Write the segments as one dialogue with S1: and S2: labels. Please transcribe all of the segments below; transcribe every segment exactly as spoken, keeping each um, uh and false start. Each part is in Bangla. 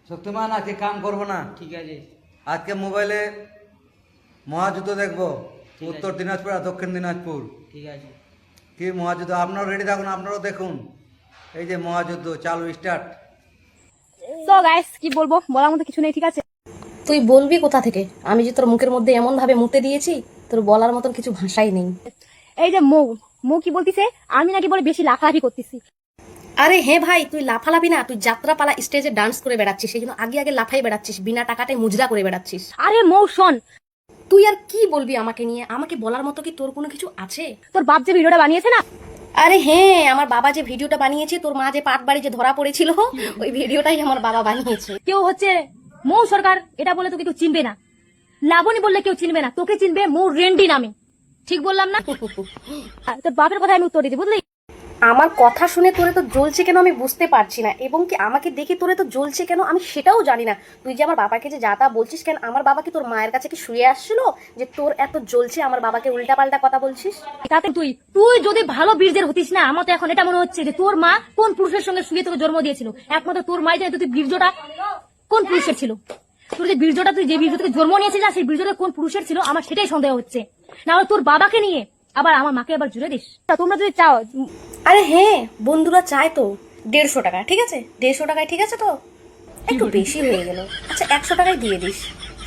S1: শক্তিমান আজকে কাম করবো না,
S2: ঠিক আছে।
S1: আজকে মোবাইলে মহাযুদ্ধ দেখবো,
S2: ঠিক
S1: উত্তর
S2: আছে।
S1: দিনাজপুর আর দক্ষিণ দিনাজপুর।
S2: ঠিক আছে।
S1: কি মহাযুদ্ধ, আপনারাও রেডি থাকুন, আপনারাও দেখুন। এই যে মহাযুদ্ধ চালু, স্টার্ট।
S3: তো গাইস কি বলবো, বলার মতো কিছু নেই, ঠিক আছে।
S4: তুই বলবি কোথা থেকে? আমি যে তোর মুখের মধ্যে এমন ভাবে মুতে দিয়েছি, তোর বলার মতন কিছু ভাষাই নেই।
S3: এই যে মৌ মৌ কি বলতিছে, আমি নাকি বলে বেশি লাফালাফি করতেছি।
S4: আরে হ্যাঁ ভাই, তুই লাফালাফি না, তুই যাত্রাপালা স্টেজে ডান্স করে বেড়াচ্ছিস, সেই জন্য আগে আগে লাফাই বেড়াচ্ছিস, বিনা টাকাটাই মুজরা করে বেড়াচ্ছিস।
S3: আরে মৌ শোন,
S4: তুই আর কি বলবি আমাকে নিয়ে? আমাকে বলার মতো কি তোর কোনো কিছু আছে?
S3: তোর বাপ যে ভিডিওটা বানিয়েছে না,
S4: আরে হ্যাঁ, আমার বাবা যে ভিডিওটা বানিয়েছে, তোর মা যে পাট বাড়ি যে ধরা পড়েছিল, ওই ভিডিওটাই আমার বাবা বানিয়েছে।
S3: কেউ হচ্ছে মৌ সরকার এটা বলে তোকে কেউ চিনবে না, লাবণী বললে কেউ চিনবে না, তোকে চিনবে মৌ রেন্ডি নামে। ঠিক বললাম না? আর তোর বাপের কথা আমি উত্তর দিচ্ছি, বুঝলি?
S4: আমার কথা শুনে তোরে তো জ্বলছে কেন আমি বুঝতে পারছি না, এবং কি আমাকে দেখে তোরে তো জ্বলছে কেন আমি সেটাও জানি না। তুই যে আমার বাবাকে যে যা তা বলছিস কেন, আমার বাবা কি তোর মায়ের কাছে কি শুয়ে আসছিল যে তোর এত জ্বলছে আমার বাবাকে উল্টা পাল্টা কথা বলছিস?
S3: তাতে তুই তুই যদি ভালো বীর্যের হতিস না, আমার তো এখন এটা মনে হচ্ছে যে তোর মা কোন পুরুষের সঙ্গে শুয়ে তোকে জন্ম দিয়েছিল। একমাত্র তোর মাই জানে তুই বীর্যটা কোন পুরুষের ছিল। তোর যে বীর্যটা, তুই যে বীর্য থেকে জন্ম নিয়েছিস না, সেই বীর্যটা কোন পুরুষের ছিল, আমার সেটাই সন্দেহ হচ্ছে। না হলে তোর বাবাকে নিয়ে আবার আমার মাকে আবার জুড়ে দিস। তা তোমরা যদি চাও,
S4: আরে হ্যাঁ, বন্ধুরা চায় তো দেড়শো টাকা, ঠিক আছে, দেড়শো টাকায় ঠিক আছে, তো একটু বেশি হয়ে গেল, আচ্ছা একশো টাকায় দিয়ে দিস।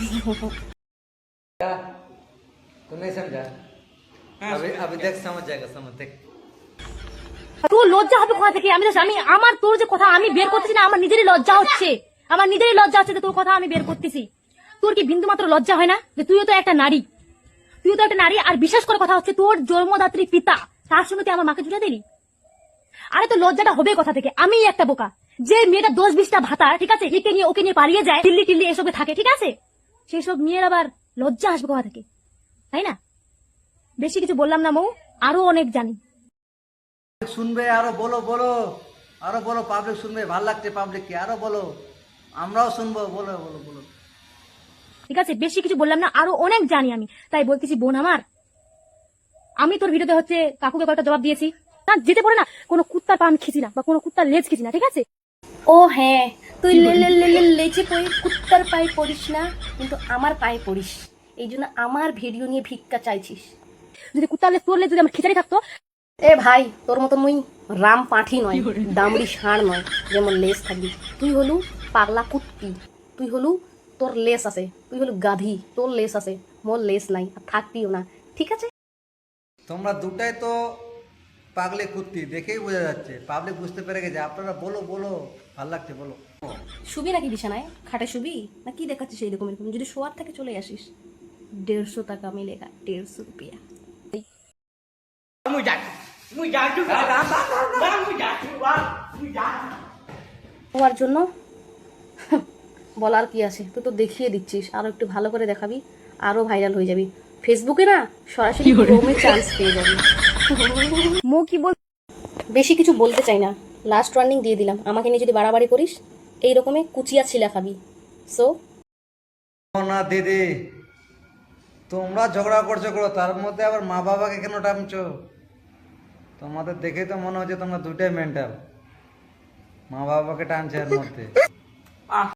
S1: तो नहीं समझा? अभी अभी देख समझ जाएगा, समझ देख।
S3: তোর লজ্জা হবে কোথা থেকে? আমি তো- আমি আমার তোর যে কথা আমি বের করতেছি না, আমার নিজেরই লজ্জা হচ্ছে, আমার নিজেরই লজ্জা হচ্ছে যে তোর কথা আমি বের করতেছি। তোর কি বিন্দু মাত্র লজ্জা হয় না যে তুইও তো একটা নারী, তুইও তো একটা নারী? আর বিশেষ করে কথা হচ্ছে তোর জন্মদাত্রী পিতা, তার সঙ্গে তুই আমার মাকে জুড়ে দিলি। আরে তো লজ্জাটা হবে কোথা থেকে? আমি একটা বোকা, যে মেয়েটা দশ বিশটা ভাতা, ঠিক আছে, একে নিয়ে ওকে নিয়ে পালিয়ে যায়, দিল্লি টিল্লি এসবে থাকে, ঠিক আছে, সেই সব মেয়ের আবার লজ্জা আসবে কোথা থেকে, তাই না? বেশি কিছু বললাম না মৌ, আরো অনেক জানি।
S1: শুনবে আরো, বলো বলো, আরো বলো, পাবলিক শুনবে, ভাল লাগছে পাবলিককে, আরো বলো, আমরাও শুনবো, বলো বলো বলো।
S3: ঠিক আছে, বেশি কিছু বললাম না, আরো অনেক জানি আমি, তাই বলতেছি বোন আমার, আমি তোর ভিডিওতে হচ্ছে কাকুকে কয়েকটা জবাব দিয়েছি না, যেতে পারে না কোনো কুত্তার পা আমি খিচি না, বা কোনো কুত্তার লেজ খিচি না, ঠিক আছে।
S4: ও হ্যাঁ, তুই লে লে লে লে লেচে পড়ি কুত্তার পায়ে পড়িস না, কিন্তু আমার পায়ে পড়িস, এই জন্য আমার ভিডিও নিয়ে ভিক্ষা চাইছিস।
S3: যদি কুত্তার লেজ তোর লেজ যদি আমার খিচারি থাকতো।
S4: এ ভাই, তোর মতো মুই রাম পাঠি নয়, দামড়ি ষাঁড় নয় যেমন লেস থাকবি। তুই হলু পাগলা কুত্তি, তুই হলু তোর লেস আছে, তুই হলু গাধি, তোর লেস আছে, মোর লেস নাই, আর থাকবিও না, ঠিক আছে।
S1: তোমরা দুটাই তো পাগলে কুত্তি, দেখেই বোঝা যাচ্ছে, পাবলিক বুঝতে পেরে গেছে। আপনারা বলো বলো, ভাল লাগছে, বলো।
S4: শুবি নাকি বিছানায়, খাটে শুবি না কি দেখাচ্ছিস এরকম এরকম? যদি শোয়ার থেকে চলে আসিস, দেড়শো টাকা মিলেগা, দেড়শো রুপিয়া।
S2: মুই যাচ্ছি, মুই যাচ্ছি, মুই যাচ্ছি, মুই যাচ্ছি।
S4: হওয়ার জন্য বলার কি আছে, তুই তো দেখিয়ে দিচ্ছিস, আরো একটু ভালো করে দেখাবি, আরো ভাইরাল হয়ে যাবি ফেসবুকে না, সরাসরি ক্রোমে চান্স পেয়ে যাবি।
S3: মৌ কি বল,
S4: বেশি কিছু বলতে চাই না, লাস্ট ওয়ার্নিং দিয়ে দিলাম, আমাকে নিয়ে যদি বাড়াবাড়ি করিস এই রকমই কুচিয়া ছিলা খাবি। সো
S1: না দিদি, তোমরা ঝগড়া করছো করো, তার মধ্যে আবার মা বাবাকে কেন টানছো? তোমাদের দেখেই তো মনে হচ্ছে তোমরা দুটাই মেন্টাল, মা বাবাকে টানছে এর মধ্যে।